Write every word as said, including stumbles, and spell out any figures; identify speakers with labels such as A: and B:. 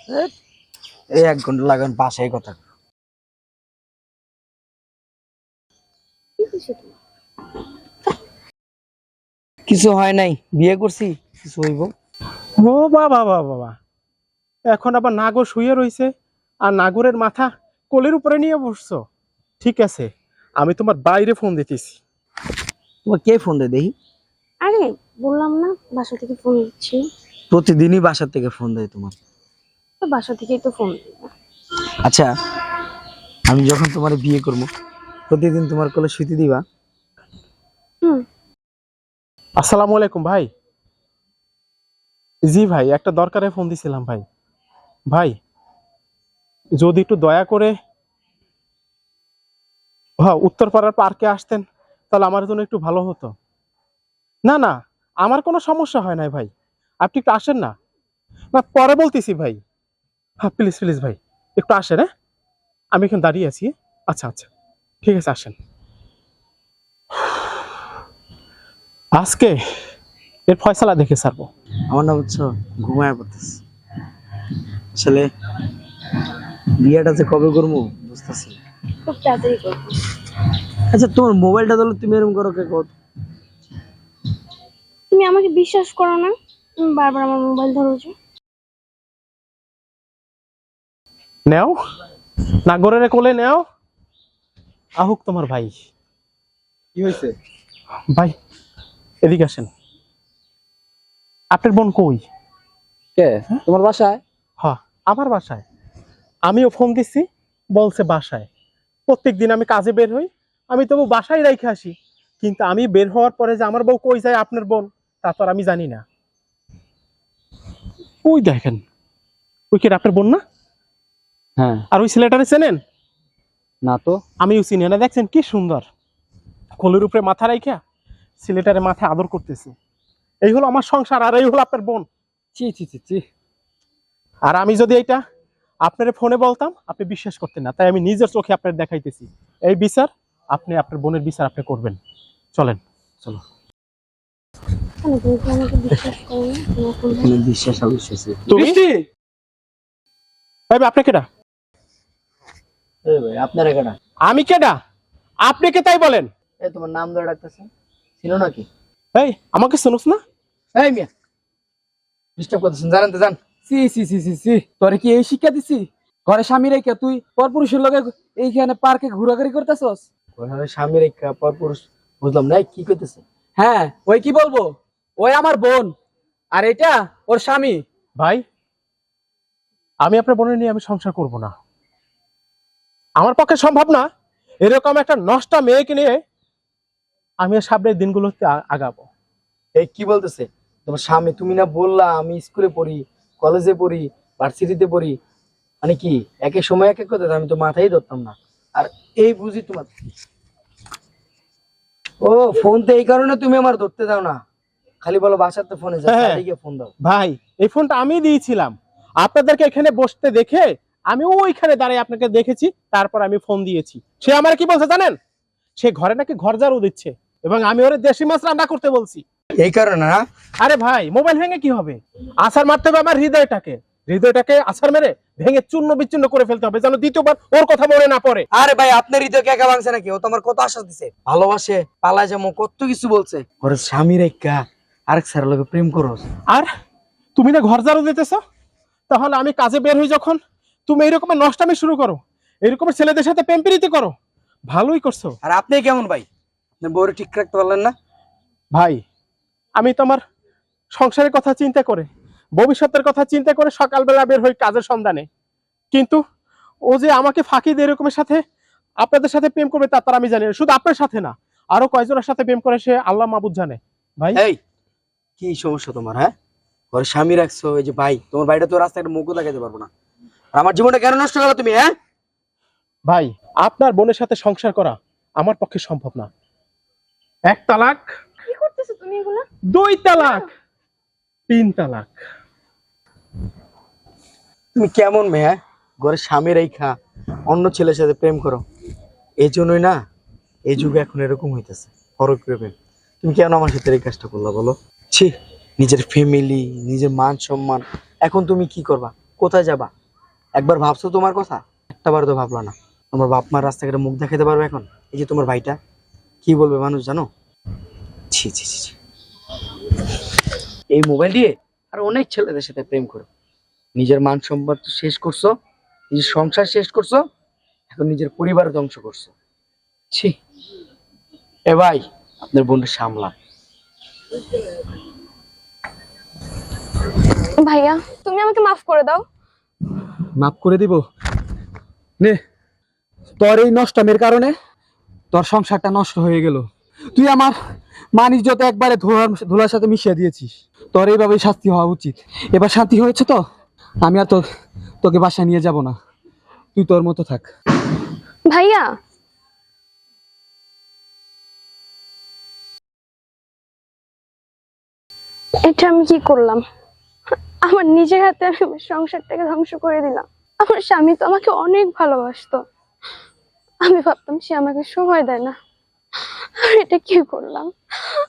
A: এই এক ঘন্টা লাগান বাসায় কথা। কিছু হয় নাই, বিয়ে করছি, কিছু হইব।
B: ও বাবা বাবা বাবা, এখন আবার নাগর শুয়ে রইছে আর নাগরের মাথা কোলের উপরে নিয়ে বসছো। ঠিক আছে, আমি তোমার বাইরে ফোন দিতেছি।
A: তোমার কে ফোন দেয় দেখি?
C: আরে বললাম না বাসা থেকে ফোন দিচ্ছি।
A: প্রতিদিনই বাসার থেকে ফোন দেয় তোমার?
C: তো বাসা থেকেই তো ফোন দিই।
A: আচ্ছা, আমি যখন তোমার বিয়ে করবো প্রতিদিন তোমার কোলে শুইতে দিবা?
C: হুম।
B: আসসালামু আলাইকুম ভাই। জি ভাই, একটা দরকারে ফোন দিছিলাম ভাই। ভাই যদি একটু দয়া করে হ্যাঁ উত্তরপাড়ার পার্কে আসতেন তাহলে আমার জন্য একটু ভালো হতো। না না, আমার কোনো সমস্যা হয় নাই ভাই, আপনি একটু আসেন না। না পরে বলতেছি ভাই। হ্যাঁ প্লিজ প্লিজ ভাই একটু আসেন। হ্যাঁ আমি এখানে দাঁড়িয়ে আছি। আচ্ছা আচ্ছা ঠিক আছে, আসেন। আজকে এর ফয়সালা দেখে ছাড়বো।
A: আমার না বুঝছো, ঘুমায় পড়তেছি আসলে। বিয়েটা যে কবে করবো বুঝতেছি।
C: খুব তাড়াতাড়ি করবো।
A: আচ্ছা, তোমার মোবাইলটা ধরো, তুমি এরকম করো কে? কত
C: তুমি আমাকে বিশ্বাস করো না, তুমি বারবার আমার মোবাইল ধরোছো।
B: নেও, নাগরের কোলে নেও। আহুক তোমার ভাই।
A: কি হয়েছে
B: ভাই এদিকে আসেন। আপনার বোন কই?
A: কে? তোমার বাসায়?
B: হ্যাঁ আমার বাসায়। আমিও ফোন দিচ্ছি, বলছে বাসায়। প্রত্যেক দিন আমি কাজে বের হই, আমি তবু বাসায় রেখে আসি, কিন্তু আমি বের হওয়ার পরে যে আমার বউ কই যায় আপনার বোন তা তো আর আমি জানি না। ওই দেখেন, ওই কি আপনার বোন না?
A: হ্যাঁ।
B: আর ওই ছেলেটারে চেনেন?
A: না তো।
B: আমিও চিনি না। দেখছেন কি সুন্দর কোলের উপরে মাথা রাইখা ছেলেটারে মাথায় আদর করতেছে। এই হলো আমার সংসার, আর এই হলো আপনার বোন।
A: চি চি চি চি।
B: আর আমি যদি এটা আপনার ফোনে বলতাম আপনি বিশ্বাস করতেন না, তাই আমি নিজের চোখে আপনার দেখাইতেছি। এই বিচার আপনি আপনার বোনের বিচার আপনি করবেন। চলেন চলো।
C: কেন তুমি কি আমাকে বিশ্বাস করো না? তোমার ফোন দাও।
A: বিশ্বাস অবিশ্বাস।
B: তুমি ভাই আপনি কেডা?
A: এই ভাই আপনার কেডা?
B: আমি কেডা? আপনি কে তাই বলেন?
A: এই তোমার নাম ধরে ডাকতেছেন, ছিল নাকি?
B: এই আমাকে শুনুস না?
A: এই মিয়া, ডিস্টার্ব করতেছেন, জানেন তো জান।
D: সি সি সি সি সি তোরে কি এই শিক্ষা দিছি? ঘরে স্বামী রেখে তুই পরপুরুষের লগে এইখানে পার্কে ঘোরাঘুরি করতেছস?
A: ওইভাবে স্বামী রেখা পরপুরুষ বুঝলাম না, কি কইতেছে?
D: হ্যাঁ, ওই কি বলবো, ওই আমার বোন আর এটা ওর স্বামী।
B: ভাই আমি আপনার বোনের নিয়ে আমি সংসার করব না। আমার পক্ষে সম্ভব না এরকম একটা নষ্টা মেয়েকে নিয়ে আমি সামনের দিনগুলোতে আ- আগাবো।
A: এই কি বলতেছে তোমার স্বামী? তুমি না বললা আমি স্কুলে পড়ি, কলেজে পড়ি, ভার্সিটিতে পড়ি, মানে কি এক এক সময় এক এক কথা? আমি তো মাথায় ধরতাম না। আর এই বুঝি তোমার ও ফোন তো এই কারণে তুমি আমার ধরতে দাও না, খালি বলো বাসার তো ফোনে
B: হ্যাঁ।
A: গিয়ে ফোন দাও।
B: ভাই এই ফোনটা আমি দিয়েছিলাম, আপনাদেরকে এখানে বসতে দেখে আমি ওইখানে দাঁড়িয়ে আপনাকে দেখেছি, তারপর আমি ফোন দিয়েছি। সে আমার কি বলছে জানেন? সে ঘরে নাকি ঘর ঝাড়ু দিচ্ছে এবং আমি ওরে দেশি মাছ রান্না করতে বলছি।
A: এই কারণে না?
B: আরে ভাই মোবাইল ভেঙে কি হবে? আছাড় মারতে হবে আমার হৃদয়টাকে, হৃদয়টাকে আছাড় মেরে ভেঙে চূর্ণ বিচ্ছিন্ন করে ফেলতে হবে যেন দ্বিতীয়বার ওর কথা মনে না পড়ে।
A: আরে ভাই আপনার হৃদয় একা ভাঙছে নাকি? ও তোমার কত আশ্বাস দিছে, ভালোবাসে, পালা যাবো, কত কিছু বলছে। ওর স্বামী রেখা আরেক স্যারের লগে প্রেম করস।
B: আর তুমি না ঘর ঝাড়ু দিতেছ, তাহলে আমি কাজে বের হই যখন তুমি এইরকমের নষ্টামি শুরু করো, এরকমের ছেলেদের সাথে প্রেম প্রীতি করো। ভালোই করছো।
A: আর আপনি কেমন ভাই, আপনার বউরে ঠিক রাখতে পারলেন না?
B: ভাই আমি তোমার সংসারের কথা চিন্তা করে, ভবিষ্যতের কথা চিন্তা করে সকালবেলা বের হই কাজের সন্ধানে, কিন্তু ও যে আমাকে ফাঁকি দিয়ে এরকমের সাথে আপনাদের সাথে প্রেম করবে তা তার আমি জানি না। শুধু আপনার সাথে না, আরো কয়জনের সাথে প্রেম করে সে আল্লাহ মাহবুদ জানে। ভাই
A: এই কি সমস্যা তোমার? হ্যাঁ, ঘরে স্বামী রাখছো, এই যে ভাই তোমার বাড়িটা তো রাস্তায় একটা মুখও দেখাতে পারবো না, আর আমার জীবনটা কেন নষ্ট করো তুমি? হ্যাঁ
B: ভাই আপনার বোনের সাথে সংসার করা আমার পক্ষে সম্ভব না। এক তালাক,
C: কি করতেছো তুমি এগুলা?
B: দুই তালাক, তিন তালাক।
A: তুমি কেমন মেয়ে? হ্যাঁ? ঘরে স্বামী রেখা অন্য ছেলের সাথে প্রেম করো, এই জন্যই না এই যুগে এখন এরকম হইতেছে, ফরক প্রেম। তুমি কেন আমার সাথে এই কাজটা করলা বলো? ছি, নিজের ফ্যামিলি, নিজের মান সম্মান, এখন তুমি কি করবা? কোথায় যাবা? একবার ভাবছো তোমার কথা? একটা বার তো ভাবলা না। তোমার বাপ মার রাস্তাঘাটে মুখ দেখাতে পারবে এখন? এই যে তোমার ভাইটা, কি বলবে মানুষ জানো? ছি ছি ছি ছি। এই মোবাইল দিয়ে আর অনেক ছেলেদের সাথে প্রেম করো, নিজের মান সম্মান তো শেষ করছো, নিজের সংসার শেষ করছো, এখন নিজের পরিবার ধ্বংস করছো। ছি। এ ভাই, আপনার বোনটা সামলান।
C: ভাইয়া তুমি আমাকে মাফ করে দাও।
D: মাফ করে দিব? নে, তোর এই নষ্টামের কারণে তোর সংসারটা নষ্ট হয়ে গেল। তুই আমার মান ইজ্জত একবারে ধোলার ধুলার সাথে মিশিয়ে দিয়েছিস। তোর এইভাবেই শাস্তি হওয়া উচিত। এবার শান্তি হয়েছে তো, আমি আর তো তোকে বাসায় নিয়ে যাব না। তুই তোর মতো থাক।
C: ভাইয়া এটা আমি কি করলাম? আমার নিজের হাতে আমি আমার সংসারটাকে ধ্বংস করে দিলাম। আমার স্বামী তো আমাকে অনেক ভালোবাসতো, আমি ভাবতাম সে আমাকে সময় দেয় না, আর এটা কি করলাম?